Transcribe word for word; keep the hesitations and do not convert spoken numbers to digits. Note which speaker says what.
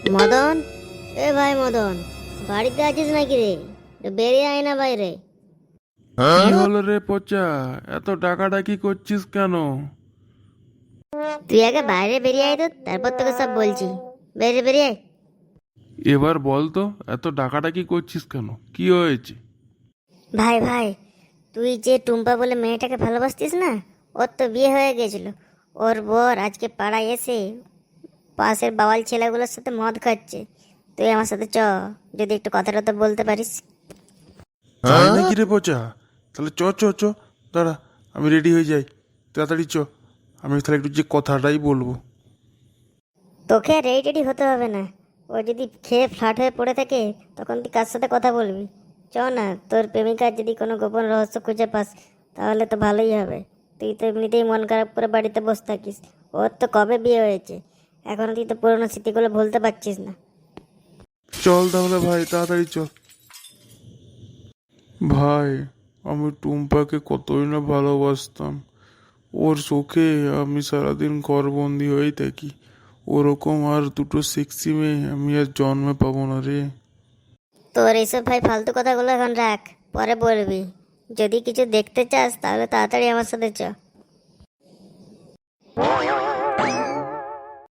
Speaker 1: মদন, এ ভাই মদন, বাড়িতে আছিস নাকি রে? একটু বেরিয়ে আয় না বাইরে।
Speaker 2: কি হলো রে পচা? এত ডাকাডাকি করছিস কেন?
Speaker 1: তুই আগে বাইরে বেরিয়ে আয় তো, তারপর তোকে সব বলছি। বেরিয়ে বেরিয়ে আয়।
Speaker 2: এবার বল তো, এত ডাকাডাকি করছিস কেন? কি হয়েছে?
Speaker 1: ভাই ভাই, তুই যে টুম্পা বলে মেয়েটাকে ভালোবাসতিস না, ওর তো বিয়ে হয়ে গেছিল। ওর বর আজকে পাড়ায় এসে পাশের বাওয়াল ছেলেগুলোর সাথে মদ খাচ্ছে। তুই আমার সাথে চ, যদি একটু কথা টথা বলতে পারিস।
Speaker 2: তাই নাকি রে পচা? তাহলে চ চ চ, দাঁড়া, আমি রেডি হয়ে যাই। তাড়াতাড়ি চ, আমি তাহলে একটু যে কথাটাই বলবো।
Speaker 1: তোকে আর রেডি টেডি হতে হবে না। ও যদি খেয়ে ফ্ল্যাট হয়ে পড়ে থাকে, তখন তুই কার সাথে কথা বলবি? চ না, তোর প্রেমিকার যদি কোনো গোপন রহস্য খুঁজে পাস, তাহলে তো ভালোই হবে। তুই তো এমনিতেই মন খারাপ করে বাড়িতে বসে থাকিস। ওর তো কবে বিয়ে হয়েছে, এখনো তুই তো পুরোনো স্মৃতিগুলো ভুলতে পারছিস না।
Speaker 2: চল তাহলে ভাই, তাড়াতাড়ি চল। ভাই, আমি টুম্পাকে কতই না ভালোবাসতাম। ওর শোকে আমি সারাদিন ঘরবন্দি হয়েই থাকি। ওরকম আর দুটো সেক্সি মেয়ে আমি আর জন্মে পাবো না রে।
Speaker 1: তোর এইসব ভাই ফালতু কথাগুলো এখন রাখ, পরে বলবি। যদি কিছু দেখতে চাস তাহলে তাড়াতাড়ি আমার সাথে চ।